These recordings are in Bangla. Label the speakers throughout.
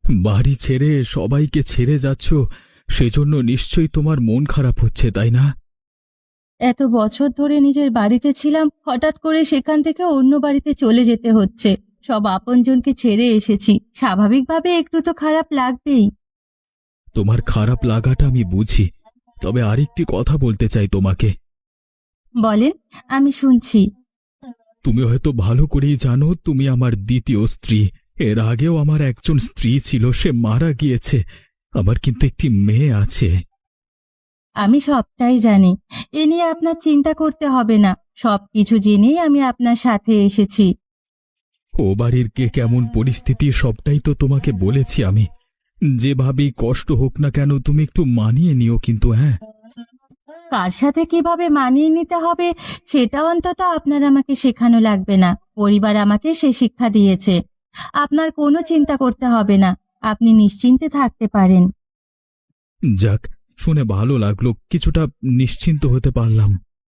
Speaker 1: বাড়ি ছেড়ে সবাইকে ছেড়ে যাচ্ছ, সেজন্য নিশ্চয়ই তোমার মন খারাপ হচ্ছে, তাই না?
Speaker 2: এত বছর ধরে নিজের বাড়িতে ছিলাম, হঠাৎ করে সেখান থেকে অন্য বাড়িতে চলে যেতে হচ্ছে। সব আপনজনকে ছেড়ে এসেছি, স্বাভাবিকভাবে একটু তো খারাপ লাগবেই।
Speaker 1: তোমার খারাপ লাগাটা আমি বুঝি, তবে আরেকটি কথা বলতে চাই তোমাকে।
Speaker 2: বলেন, আমি শুনছি।
Speaker 1: তুমি হয়তো ভালো করেই জানো তুমি আমার দ্বিতীয় স্ত্রী। এর আগেও আমার একজন স্ত্রী ছিল, সে মারা গিয়েছে। আমার কিন্তু একটি মেয়ে আছে।
Speaker 2: আমি সবটাই জানি, এ নিয়ে আপনার চিন্তা করতে হবে না। সবকিছু জেনেই আমি আপনার সাথে এসেছি।
Speaker 1: ও বাড়ির কে কেমন পরিস্থিতি সবটাই তো তোমাকে বলেছি আমি। যেভাবেই কষ্ট হোক না কেন তুমি একটু মানিয়ে নিও কিন্তু, হ্যাঁ?
Speaker 2: কার সাথে কিভাবে মানিয়ে নিতে হবে সেটা অন্তত আপনার আমাকে শেখানো লাগবে না। পরিবার আমাকে সে শিক্ষা দিয়েছে। আপনার কোনো চিন্তা করতে হবে না, আপনি নিশ্চিন্তে থাকতে পারেন।
Speaker 1: যাক, শুনে ভালো লাগলো, কিছুটা নিশ্চিন্ত হতে পারলাম।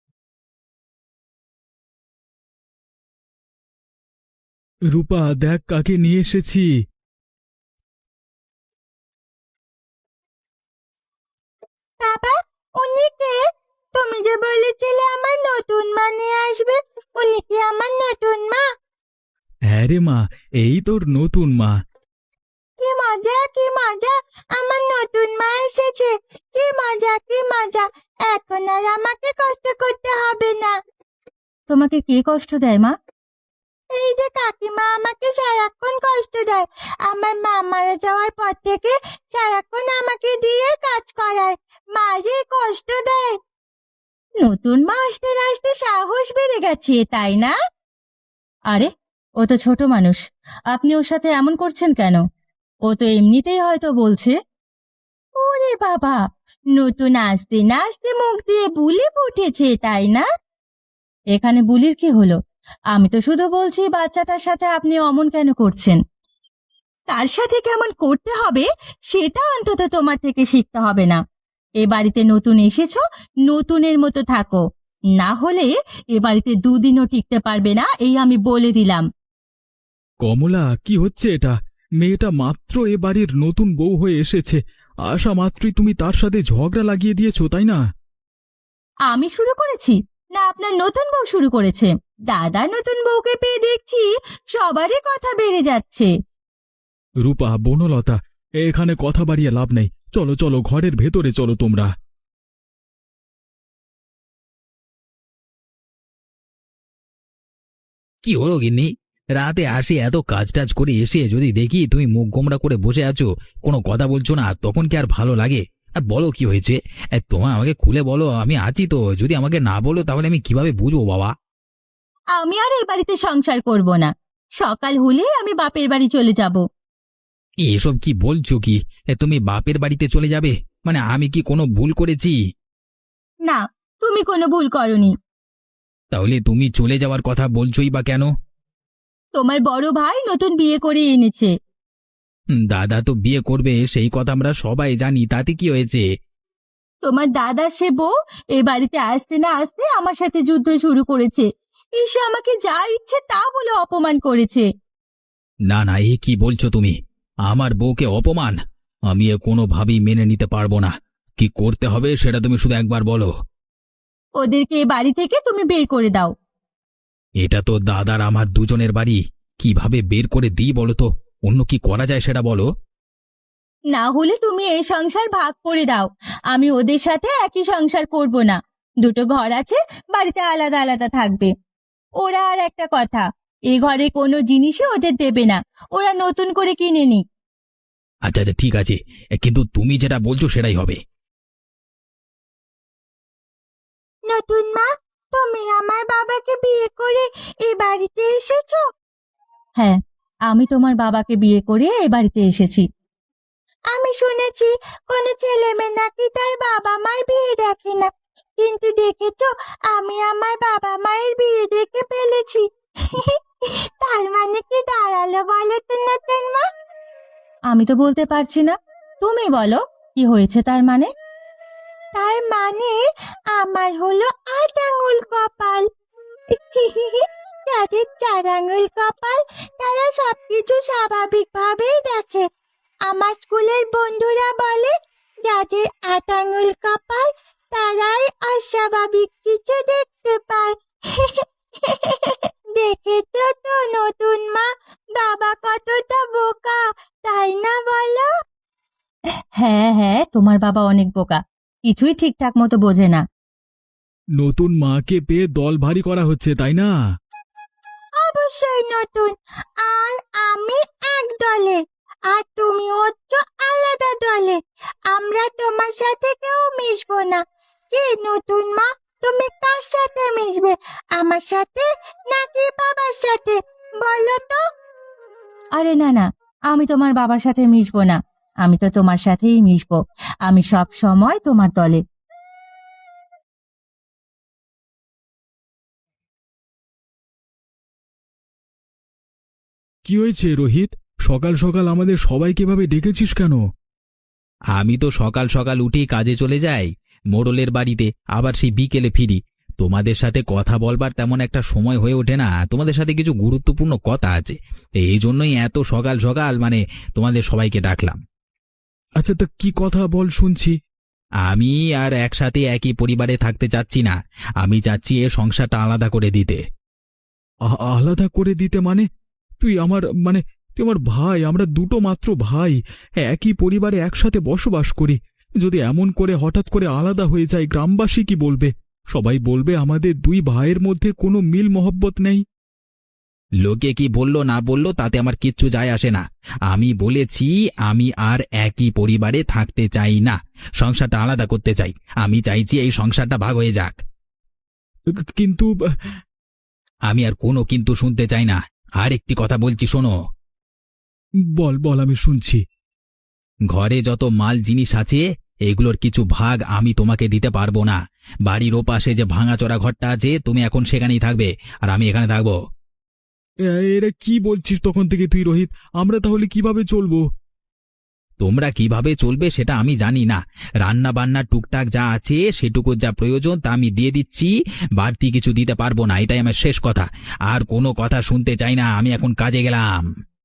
Speaker 1: রূপা, দেখ কাকে নিয়ে এসেছি।
Speaker 2: বাবা, উনি কে? তুমি যে বলেছিলে আমার নতুন মা নিয়ে আসবে, উনি কি আমার নতুন মা?
Speaker 1: হ্যাঁ রে মা, এই তোর নতুন মা।
Speaker 2: কি মজা, কি মজা! আমার নতুন মা এসেছে। কি মজা, কি মজা! এখন আর আমাকে কষ্ট করতে হবে না। তোমাকে কে কষ্ট দেয় মা? এই যে কাকিমা আমাকে সারাক্ষণ কষ্ট দেয়। আমার মা মারা যাওয়ার পর থেকে সারাক্ষণ আমাকে দিয়ে কাজ করায়। মা যে কষ্ট দেয়। নতুন মা আসতে না আসতে সাহস বেড়ে গেছে, তাই না? আরে, ও তো ছোট মানুষ, আপনি ওর সাথে এমন করছেন কেন? ও তো এমনিতেই হয়তো বলছে। ওরে বাবা, নতুন আসতে না আসতে মুখ দিয়ে বুলি ফুটেছে, তাই না? এখানে বুলির কি হলো? আমি তো শুধু বলছি বাচ্চাটার সাথে আপনি অমন কেন করছেন। তার সাথে কেমন করতে হবে সেটা অন্তত তোমার থেকে শিখতে হবে না। এ বাড়িতে নতুন এসেছো, নতুনের মতো থাকো। না হলে এ বাড়িতে দুদিনও টিকতে পারবে না, এই আমি বলে দিলাম।
Speaker 1: কমলা, কি হচ্ছে এটা? মেয়েটা মাত্র এ বাড়ির নতুন বউ হয়ে এসেছে, আসা মাত্রই তুমি তার সাথে ঝগড়া লাগিয়ে দিয়েছো, তাই না?
Speaker 2: আমি শুরু করেছি না আপনার নতুন বউ শুরু করেছে? দাদা নতুন বউকে পেয়ে দেখছি সবারই কথা বেড়ে যাচ্ছে।
Speaker 1: রূপা, বনলতা, এখানে কথা বাড়িয়ে লাভ নেই। চলো চলো, ঘরের ভেতরে চলো তোমরা।
Speaker 3: কি হলো গিন্নি? রাতে আসি এত কাজ টাজ করে এসে যদি দেখি তুমি মুখ গোমড়া করে বসে আছো, কোনো কথা বলছো না, তখন কি আর ভালো লাগে? আর বলো কি হয়েছে? তোমার আমাকে খুলে বলো, আমি আছি তো। যদি আমাকে না বলো তাহলে আমি কিভাবে বুঝবো বাবা?
Speaker 2: আমি আর এই বাড়িতে সংসার করব না। সকাল হলেই আমি বাপের বাড়ি চলে যাব।
Speaker 3: এসব কি বলছো কি? তুমি বাপের বাড়িতে চলে যাবে? মানে আমি কি কোনো ভুল করেছি?
Speaker 2: না, তুমি কোনো ভুল করনি।
Speaker 3: তাহলে তুমি চলে যাওয়ার কথা বলছোই বা কেন?
Speaker 2: তোমার বড় ভাই নতুন বিয়ে করে এনেছে।
Speaker 3: দাদা তো বিয়ে করবে, সেই কথা আমরা সবাই জানি, তাতে কি হয়েছে?
Speaker 2: তোমার দাদা সে বউ এ বাড়িতে আসতে না আসতে আমার সাথে যুদ্ধ শুরু করেছে। এসে আমাকে যা ইচ্ছে তা বলে অপমান করেছে।
Speaker 3: না না, এ কি বলছো তুমি? আমার বউকে অপমান? আমি এ কোনোভাবেই মেনে নিতে পারবো না। কি করতে হবে সেটা তুমি শুধু একবার বলো।
Speaker 2: ওদেরকে এ বাড়ি থেকে তুমি বের করে দাও।
Speaker 3: এটা তো দাদার আমার দুজনের বাড়ি, কিভাবে বের করে দিই বলো তো? অন্য কি করা যায় সেটা বলো।
Speaker 2: না হলে তুমি এই সংসার ভাগ করে দাও। আমি ওদের সাথে একই সংসার করব না। দুটো ঘর আছে, বাড়িতে আলাদা আলাদা থাকবে। ওরা আর একটা কথা, এ ঘরে কোনো জিনিসই ওদের দেবে না। ওরা নতুন করে কিনে নিক।
Speaker 3: আচ্ছা আচ্ছা, ঠিক আছে, কিন্তু তুমি যেটা বলছো সেটাই হবে।
Speaker 2: নতুন মা, তুমি আমার বাবাকে বিয়ে করে এই বাড়িতে এসেছো? হ্যাঁ, আমি তোমার বাবাকে বিয়ে করে এই বাড়িতে এসেছি। আমি শুনেছি কোনো ছেলে মেয়ে নাকি তার বাবা মার বিয়ে দেখে না, কিন্তু দেখেছো, আমি আমার বাবা মায়ের বিয়ে দেখে ফেলেছি। তার মানে কি দাঁড়ালো বলো তো নতুন মা? আমি তো বলতে পারছি না, তুমি বলো কি হয়েছে তার মানে। তার মানে আমার হলো ৮ আঙুল কপাল। যাদের ৪ আঙুল কপাল তারা সবকিছু স্বাভাবিকভাবেই দেখে। আমার স্কুলের বন্ধুরা বলে যাদের ৮ আঙুল কপাল তারাই অস্বাভাবিক কিছু দেখতে পায়। দেখেছো তো নতুন মা, বাবা কতটা বোকা, তাই না বলো? হ্যাঁ হ্যাঁ, তোমার বাবা অনেক বোকা, কিছুই ঠিকঠাক মতো বোঝে না।
Speaker 1: নতুন মাকে পেয়ে দল ভারী করা হচ্ছে তাই না?
Speaker 2: অবশ্যই নতুন, আর আমি এক দলে, আর তুমি হচ্ছ আলাদা দলে। আমরা তোমার সাথে কেউ মিশবো না। কি নতুন মা, তুমি কার সাথে মিশবে, আমার সাথে নাকি বাবার সাথে, বলো তো? আরে না না, আমি তোমার বাবার সাথে মিশবো না, আমি তো তোমার সাথেই মিশবো। আমি সব সময় তোমার দলে।
Speaker 1: কি হয়েছে রোহিত? সকাল সকাল আমাদের সবাইকে এভাবে ডেকেছিস কেন?
Speaker 3: আমি তো সকাল সকাল উঠেই কাজে চলে যাই মোড়লের বাড়িতে, আবার সেই বিকেলে ফিরি। তোমাদের সাথে কথা বলবার তেমন একটা সময় হয়ে ওঠে না, তোমাদের সাথে কিছু গুরুত্বপূর্ণ কথা আছে, এই জন্যই এত সকাল সকাল তোমাদের সবাইকে ডাকলাম।
Speaker 1: আচ্ছা, তা কি কথা বল শুনছি।
Speaker 3: আমি আর একসাথে একই পরিবারে থাকতে চাচ্ছি না, আমি চাচ্ছি এ সংসারটা আলাদা করে দিতে।
Speaker 1: আলাদা করে দিতে মানে? তুই আমার তুই আমার ভাই, আমরা দুটো মাত্র ভাই, একই পরিবারে একসাথে বসবাস করি। যদি এমন করে হঠাৎ করে আলাদা হয়ে যায়, গ্রামবাসী কি বলবে? সবাই বলবে আমাদের দুই ভাইয়ের মধ্যে কোনো মিল মহব্বত নেই।
Speaker 3: লোকে কি বললো না বললো তাতে আমার কিচ্ছু যায় আসে না। আমি বলেছি আমি আর একই পরিবারে থাকতে চাই না, সংসারটা আলাদা করতে চাই। আমি চাইছি এই সংসারটা ভাগ হয়ে যাক।
Speaker 1: কিন্তু
Speaker 3: আমি আর কোনো কিন্তু শুনতে চাই না। আর একটি কথা বলছি, শোনো।
Speaker 1: বল বল, আমি শুনছি।
Speaker 3: ঘরে যত মাল জিনিস আছে এগুলোর কিছু ভাগ আমি তোমাকে দিতে পারবো না। বাড়ির ওপাশে যে ভাঙাচোরা ঘরটা আছে, তুমি এখন সেখানেই থাকবে আর আমি এখানে থাকবো।
Speaker 1: এরা কি বলছিস তখন থেকে তুই রোহিত? আমরা তাহলে কিভাবে চলবো?
Speaker 3: তোমরা কিভাবে চলবে সেটা আমি জানি না, রান্না বান্না টুকটাক যা আছে সেটুকু যা প্রয়োজন তা আমি দিয়ে দিচ্ছি, বাড়তি কিছু দিতে পারবো না, এটাই আমার শেষ কথা। আর কোনো কথা শুনতে চাই না, আমি এখন কাজে গেলাম।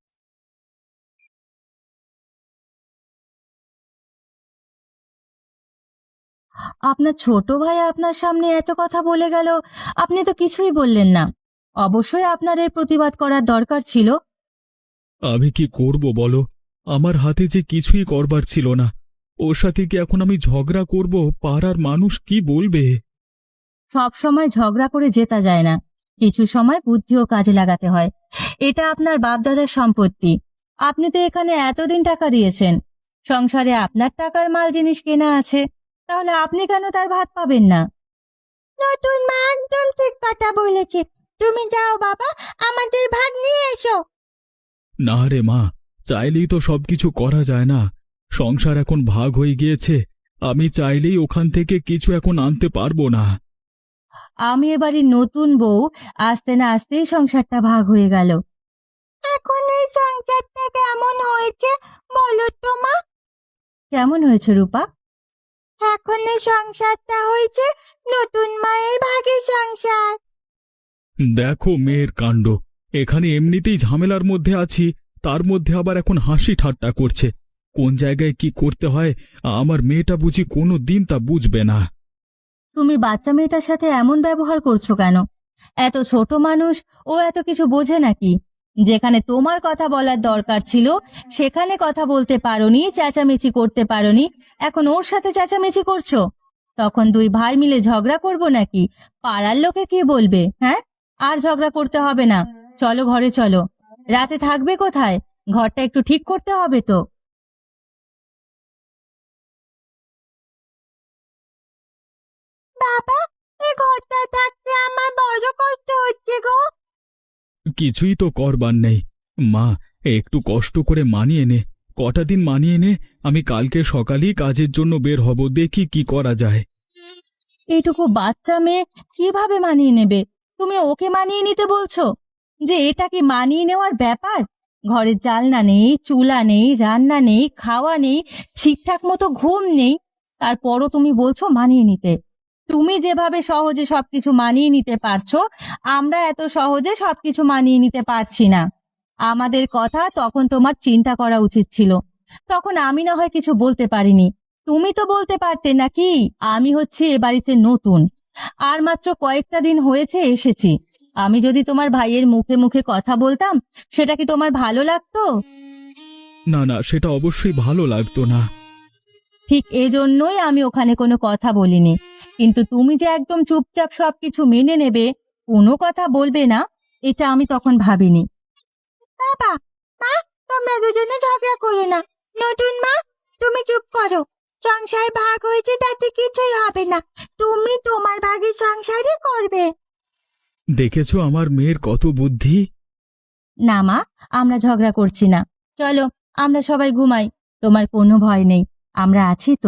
Speaker 2: আপনার ছোট ভাই আপনার সামনে এত কথা বলে গেল, আপনি তো কিছুই বললেন না। অবশ্যই আপনার এর প্রতিবাদ করার দরকার ছিল।
Speaker 1: আমি কি করব বলো? আমার হাতে যে কিছুই করবার ছিল না। ওর সাথে কি এখন আমি ঝগড়া করব? পাড়ার মানুষ কি বলবে?
Speaker 2: সব সময় ঝগড়া করে জেতা যায় না, কিছু সময় বুদ্ধিও কাজে লাগাতে হয়। এটা আপনার বাপদাদার সম্পত্তি, আপনি তো এখানে এতদিন টাকা দিয়েছেন, সংসারে আপনার টাকার মাল জিনিস কেনা আছে, তাহলে আপনি কেন তার ভাত পাবেন না? নতুন মা একদম ঠিক কথা বলেছে, তুমি যাও বাবা, আমাদের ভাগ নিয়ে এসো।
Speaker 1: না রে মা, চাইলেই তো সবকিছু করা যায় না। সংসার এখন ভাগ হয়ে গিয়েছে, আমি চাইলেই ওখান থেকে কিছু এখন আনতে পারবো না।
Speaker 2: আমি এবারে নতুন বউ, আস্তে না আস্তেই সংসারটা ভাগ হয়ে গেল। এখন এই সংসারটা কেমন হয়েছে বলো তো মা? কেমন হয়েছে রূপা? এখন এই সংসারটা হয়েছে নতুন মায়ের ভাগের সংসার।
Speaker 1: দেখো মেয়ের কাণ্ড, এখানে এমনিতেই ঝামেলার মধ্যে আছি, তার মধ্যে আবার এখন হাসি ঠাট্টা করছে। কোন জায়গায় কি করতে হয় আমার মেয়েটা বুঝি কোনো দিন তা বুঝবে না।
Speaker 2: তুমি বাচ্চা মেয়েটার সাথে এমন ব্যবহার করছো কেন? এত ছোট মানুষ, ও এত কিছু বোঝে নাকি? যেখানে তোমার কথা বলার দরকার ছিল সেখানে কথা বলতে পারোনি, চেঁচামেচি করতে পারোনি, এখন ওর সাথে চেঁচামেচি করছো। তখন দুই ভাই মিলে ঝগড়া করবো নাকি? পাড়ার লোকে কি বলবে? হ্যাঁ, আর ঝগড়া করতে হবে না, চলো ঘরে চলো। রাতে থাকবে কোথায়? ঘরটা একটু ঠিক করতে হবে তো। বাবা, এই ঘরটা থাকতে আমার বড় কষ্ট হচ্ছে গো।
Speaker 1: কিছুই তো করবার নেই মা, একটু কষ্ট করে মানিয়ে নে, কটা দিন মানিয়ে নে। আমি কালকে সকালেই কাজের জন্য বের হব, দেখি কি করা যায়।
Speaker 2: এইটুকু বাচ্চা মেয়ে কিভাবে মানিয়ে নেবে? তুমি ওকে মানিয়ে নিতে বলছো? যে এটা কি মানিয়ে নেওয়ার ব্যাপার? ঘরে জালনা নেই, চুলা নেই, রান্না নেই, খাওয়া নেই, ঠিকঠাক মতো ঘুম নেই, তারপরও তুমি বলছো মানিয়ে নিতে। তুমি যেভাবে সহজে সবকিছু মানিয়ে নিতে পারছো, আমরা এত সহজে সবকিছু মানিয়ে নিতে পারছি না। আমাদের কথা তখন তোমার চিন্তা করা উচিত ছিল। তখন আমি না হয় কিছু বলতে পারিনি, তুমি তো বলতে পারতে নাকি? আমি হচ্ছে এ বাড়িতে নতুন, আর মাত্র কয়েকটা দিন হয়েছে এসেছি। আমি যদি তোমার ভাইয়ের মুখে মুখে কথা বলতাম, সেটা কি তোমার ভালো লাগতো?
Speaker 1: না না, সেটা অবশ্যই ভালো লাগতো না।
Speaker 2: ঠিক এজন্যই আমি ওখানে কোনো কথা বলিনি। কিন্তু তুমি যে একদম চুপচাপ সবকিছু মেনে নেবে, কোনো কথা বলবে না, এটা আমি তখন ভাবিনি। বাবা, মা, তোমরা দুজনে ঝগড়া করো না। নতুন মা, তুমি চুপ করো। সংসার ভাগ হয়েছে, তাতে কিছুই হবে না। তুমি তোমার ভাগের সংসারই করবে।
Speaker 1: দেখেছো আমার মেয়ের কত বুদ্ধি।
Speaker 2: না মা, আমরা ঝগড়া করছি না। চলো, আমরা সবাই ঘুমাই। তোমার কোনো ভয় নেই, আমরা আছি তো।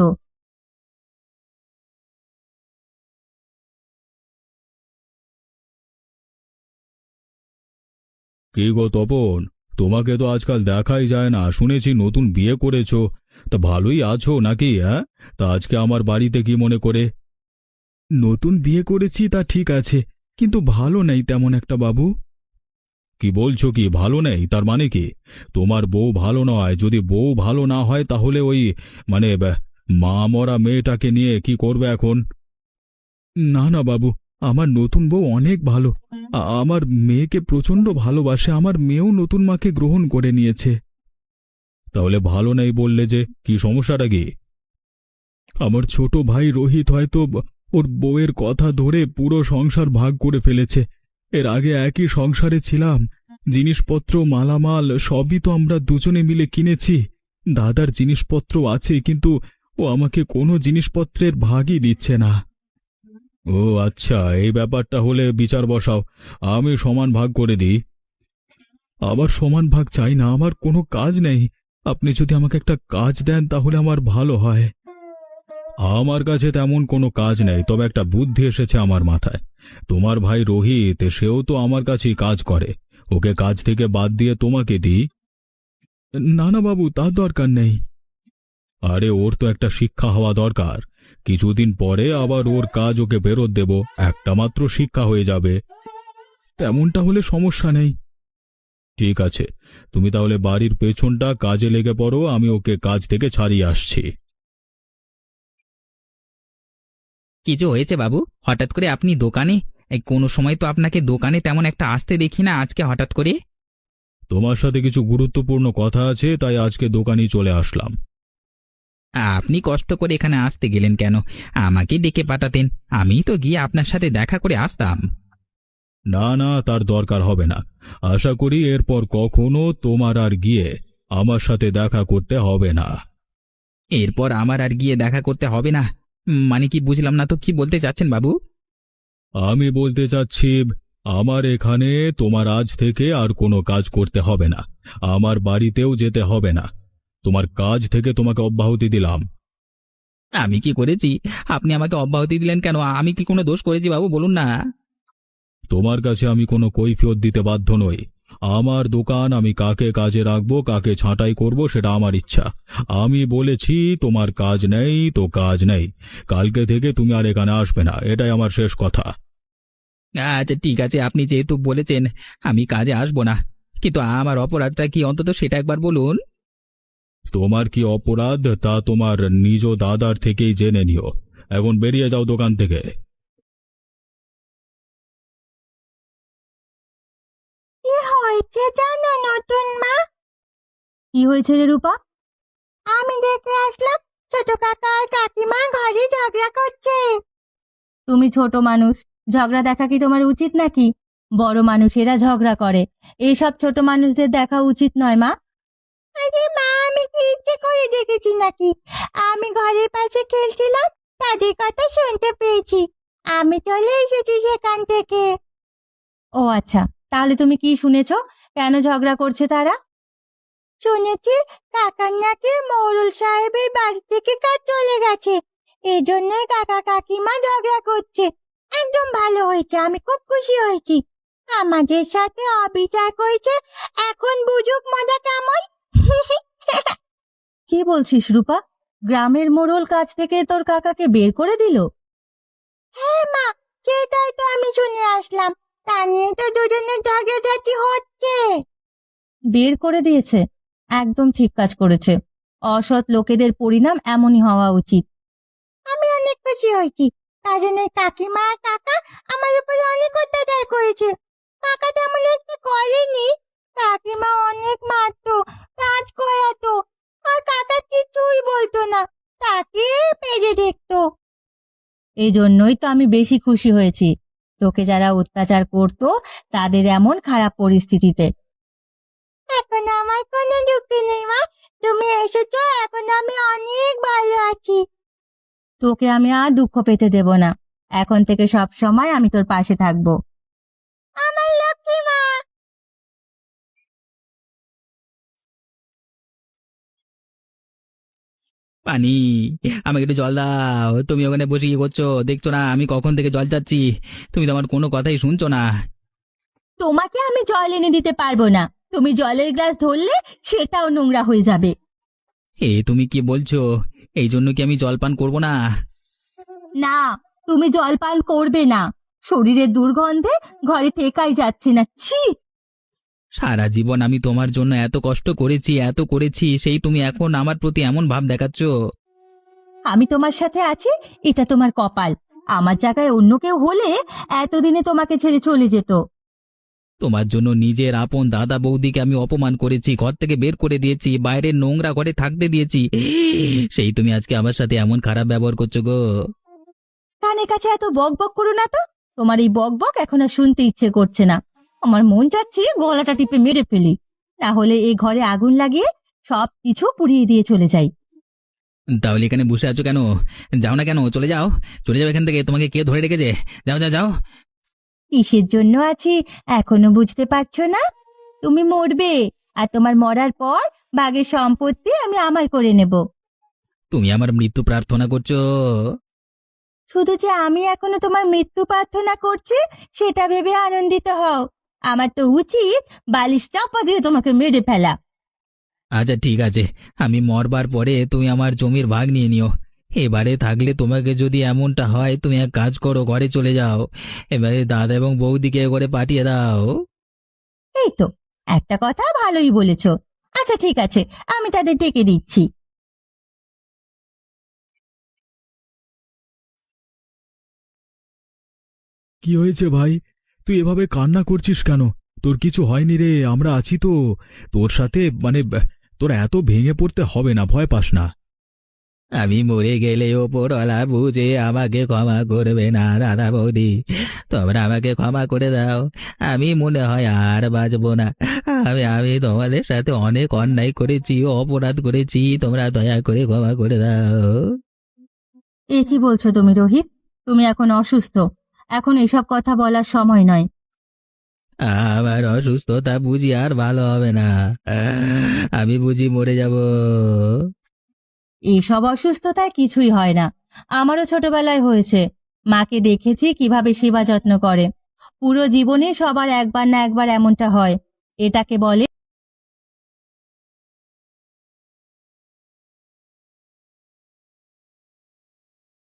Speaker 1: কি গো তপন, তোমাকে তো আজকাল দেখাই যায় না। শুনেছি নতুন বিয়ে করেছো, তা ভালোই আছো নাকি? হ্যাঁ, তা আজকে আমার বাড়িতে কি মনে করে? নতুন বিয়ে করেছি তা ঠিক আছে, কিন্তু ভালো নেই তেমন একটা বাবু। কি বলছো, কি ভালো নেই? তার মানে কি তোমার বউ ভালো নয়? যদি বউ ভালো না হয় তাহলে ওই মা মরা মেয়েটাকে নিয়ে কি করবে এখন? না না বাবু, আমার নতুন বউ অনেক ভালো। আমার মেয়েকে প্রচন্ড ভালোবাসে, আমার মেয়েও নতুন মাকে গ্রহণ করে নিয়েছে। তাহলে ভালো নেই বললে যে, কি সমস্যাটা কি? আমার ছোট ভাই রোহিত হয়তো ওর বউয়ের কথা ধরে পুরো সংসার ভাগ করে ফেলেছে। এর আগে একই সংসারে ছিলাম, জিনিসপত্র মালামাল সবই তো আমরা দুজনে মিলে কিনেছি। দাদার জিনিসপত্র আছে, কিন্তু ও আমাকে কোনো জিনিসপত্রের ভাগই দিচ্ছে না। ও আচ্ছা, এই ব্যাপারটা হলে বিচার বসাও, আমি সমান ভাগ করে দিই। আবার সমান ভাগ চাই না, আমার কোনো কাজ নেই। আপনি যদি আমাকে একটা কাজ দেন তাহলে আমার ভালো হয়। আমার কাছে তেমন কোনো কাজ নেই, তবে একটা বুদ্ধি এসেছে আমার মাথায়। তোমার ভাই রোহিত, সেও তো আমার কাছেই কাজ করে, ওকে কাজ থেকে বাদ দিয়ে তোমাকে দিই। না না বাবু, তার দরকার নেই। আরে ওর তো একটা শিক্ষা হওয়া দরকার। কিছুদিন পরে আবার ওর কাজ ওকে ফেরত দেব, একটা মাত্র শিক্ষা হয়ে যাবে। তেমনটা হলে সমস্যা নেই। ঠিক আছে, তুমি তাহলে বাড়ির পেছনটা কাজে লেগে পড়ো, আমি ওকে কাজ থেকে ছাড়িয়ে আসছি।
Speaker 3: কিছু হয়েছে বাবু? হঠাৎ করে আপনি দোকানে? এই কোনো সময় তো আপনাকে দোকানে তেমন একটা আসতে দেখি না, আজকে হঠাৎ করে?
Speaker 1: তোমার সাথে কিছু গুরুত্বপূর্ণ কথা আছে, তাই আজকে দোকানেই চলে আসলাম।
Speaker 3: আপনি কষ্ট করে এখানে আসতে গেলেন কেন? আমাকে ডেকে পাঠাতেন, আমি তো গিয়ে আপনার সাথে দেখা করে আসতাম।
Speaker 1: না না, তার দরকার হবে না। আশা করি এরপর কখনো তোমার আর গিয়ে আমার সাথে দেখা করতে হবে না।
Speaker 3: এরপর আমার আর গিয়ে দেখা করতে হবে না? মানে কি বুঝলাম না তো, কি বলতে চাচ্ছেন বাবু?
Speaker 1: আমি বলতে চাচ্ছি, আমার এখানে তোমার আজ থেকে আর কোনো কাজ করতে হবে না, আমার বাড়িতেও যেতে হবে না। তোমার কাজ থেকে তোমাকে অব্যাহতি দিলাম।
Speaker 3: আমি কি করেছি? আপনি আমাকে অব্যাহতি দিলেন কেন? আমি কি কোনো দোষ করেছি বাবু, বলুন না।
Speaker 1: তোমার কাছে আমি কোনো কৈফিয়ত দিতে বাধ্য নই। আমার দোকান, আমি কাকে কাজে রাখবো, কাকে ছাঁটাই করব, সেটা আমার ইচ্ছা। আমি বলেছি তোমার কাজ নেই তো কাজ নেই, কালকে থেকে তুমি আর এখানে আসবে না, এটাই আমার শেষ কথা।
Speaker 3: আচ্ছা ঠিক আছে, আপনি যেহেতু বলেছেন আমি কাজে আসবো না, কিন্তু আমার অপরাধটা কি অন্তত সেটা একবার বলুন।
Speaker 1: তোমার কি অপরাধ তা তোমার নিজ দাদার থেকেই জেনে নিও। এখন বেরিয়ে যাও দোকান থেকে।
Speaker 2: কি হয়েছে জানো নতুন মা? কি হয়েছে রে রূপা? আমি দেখে আসলাম, ছোট কাকা আর কাকিমা ঘরে ঝগড়া করছে। তুমি ছোট মানুষ, ঝগড়া দেখা কি তোমার উচিত নাকি? বড় মানুষেরা ঝগড়া করে, এইসব ছোট মানুষদের দেখা উচিত নয় মা। আরে মা, আমি কি ইচ্ছে করে দেখেছি নাকি? আমি ঘরের পাশে খেলছিলাম, তাদের কথা শুনতে পেয়েছি, আমি চলে এসেছি সেখান থেকে। ও আচ্ছা, তাহলে তুমি কি শুনেছো? কেন ঝগড়া করছে তারা? শুনেছি কাকার নাকি মোড়ল সাহেবের বাড়ি থেকে কাজ চলে গেছে, এই জন্যই কাকা কাকিমা ঝগড়া করছে। একদম ভালো হয়েছে, আমি খুব খুশি হয়েছি। আমাদের সাথে অবিচার করেছে, এখন বুঝুক মজা কেমন। কি বলছিস রূপা? গ্রামের মোড়ল কাজ থেকে তোর কাকাকে বের করে দিল? হ্যাঁ মা, সেটাই তো আমি শুনে আসলাম, তা নিয়ে তো দুজনের ঝগড়াঝাটি হচ্ছে। বের করে দিয়েছে? একদম ঠিক কাজ করেছে। অসৎ লোকেদের পরিণাম এমনই হওয়া উচিত। আমি অনেক খুশি হয়েছি, কারণ এই কাকিমা আর কাকা আমার উপরে অনেক অত্যাচার করেছে। কাকা তেমন একটা করেনি, কাকিমা অনেক মারতো, কাজ করাতো, আর কাকা কিছুই বলতো না, তাকে পেজে দেখতো। এই জন্যই তো আমি বেশি খুশি হয়েছি, তোকে যারা অত্যাচার করতো তাদের এমন খারাপ পরিস্থিতিতে। এখন আমার কোনো দুঃখ নেই মা, তুমি এসেছো, এখন আমি অনেক ভালো আছি। তোকে আমি আর দুঃখ পেতে দেব না, এখন থেকে সব সময় আমি তোর পাশে থাকবো। আমার লক্ষ্মী মা।
Speaker 3: পানি, আমাকে একটু জল দাও। তুমি ওখানে বসে কি করছো? দেখছো না আমি কখন থেকে জল চাচ্ছি? তুমি তো আমার কোনো কথাই শুনছো না।
Speaker 2: তোমাকে আমি জল এনে দিতে পারবো না, তুমি জলের গ্লাস ধরলে সেটাও নোংরা হয়ে যাবে।
Speaker 3: তুমি কি বলছো? এই জন্য কি আমি জল পান করবো না?
Speaker 2: না, তুমি জল পান করবে না, শরীরের দুর্গন্ধে ঘরে টেকাই যাচ্ছে না, ছি।
Speaker 3: সারা জীবন আমি তোমার জন্য এত কষ্ট করেছি, এত করেছি, সেই তুমি এখন আমার প্রতি এমন ভাব দেখাচ্ছ।
Speaker 2: আমি তোমার সাথে আছি, এটা তোমার কপাল। আমার জায়গায় অন্য কেউ হলে এতদিনে তোমাকে ছেড়ে চলে যেত।
Speaker 3: তোমার জন্য নিজের আপন দাদা বৌদিকে আমি অপমান করেছি, ঘর থেকে বের করে দিয়েছি, বাইরের নোংরা ঘরে থাকতে দিয়েছি, সেই তুমি আজকে আমার সাথে এমন খারাপ ব্যবহার করছো গো।
Speaker 2: কানের কাছে এত বক বক করো না তো, তোমার এই বক বক এখন আর শুনতে ইচ্ছে করছে না। আমার মন চাচ্ছে গলাটা টিপে মেরে ফেলি, না হলে এই ঘরে আগুন লাগিয়ে সব কিছু পুড়িয়ে দিয়ে চলে যাই।
Speaker 3: তাহলে এখানে বসে আছো কেন? যাও না কেন? চলে যাও, চলে যাও এখান থেকে। তোমাকে কে ধরে রেখেছে? যাও যাও যাও।
Speaker 2: কিসের জন্য আছি এখনো বুঝতে পারছো না? তুমি মরবে, আর তোমার মরার পর বাঘের সম্পত্তি আমি আমার করে নেব।
Speaker 3: তুমি আমার মৃত্যু প্রার্থনা করছো?
Speaker 2: শুধু যে আমি এখনো তোমার মৃত্যু প্রার্থনা করছি সেটা ভেবে আনন্দিত হও, আমার তো উচিত বালিশ চাপা দিয়ে তোমাকে মেরে ফেলা।
Speaker 3: আচ্ছা ঠিক আছে, আমি মরবার পরে তুমি আমার জমির ভাগ নিয়ে নিও। এবারে থাকলে তোমাকে যদি এমনটা হয়, তুমি এক কাজ করো, ঘরে চলে যাও। এবারে দাদা এবং বৌদিকে করে পাঠিয়ে দাও।
Speaker 2: এই তো একটা কথা ভালোই বলেছো। আচ্ছা ঠিক আছে, আমি তাদের ডেকে দিচ্ছি।
Speaker 1: কি হয়েছে ভাই? তুই এভাবে কান্না করছিস কেন? তোর কিছু হয়নি রে, আমরা আছি তো তোর সাথে। তোর এত ভেঙে পড়তে হবে না, ভয় পাস না।
Speaker 3: আমি মরে গেলে ওপরওয়ালা বুঝে আমাকে ক্ষমা করবে না দাদা বৌদি, তোমরা আমাকে ক্ষমা করে দাও। আমি মনে হয় আর বাঁচবো না। আমি আমি তোমাদের সাথে অনেক অন্যায় করেছি, অপরাধ করেছি, তোমরা দয়া করে ক্ষমা করে দাও।
Speaker 2: এ কি বলছো তুমি রোহিত? তুমি এখন অসুস্থ, এখন এসব কথা বলার সময় নয়।
Speaker 3: আমার অসুস্থতা বুঝি আর ভালো হবে না, আমি বুঝি মরে যাব।
Speaker 2: এইসব অসুস্থতায় কিছুই হয় না, আমারও ছোটবেলায় হয়েছে। মাকে দেখেছি কিভাবে সেবা যত্ন করে। পুরো জীবনে সবার একবার না একবার এমনটা হয়, এটাকে বলে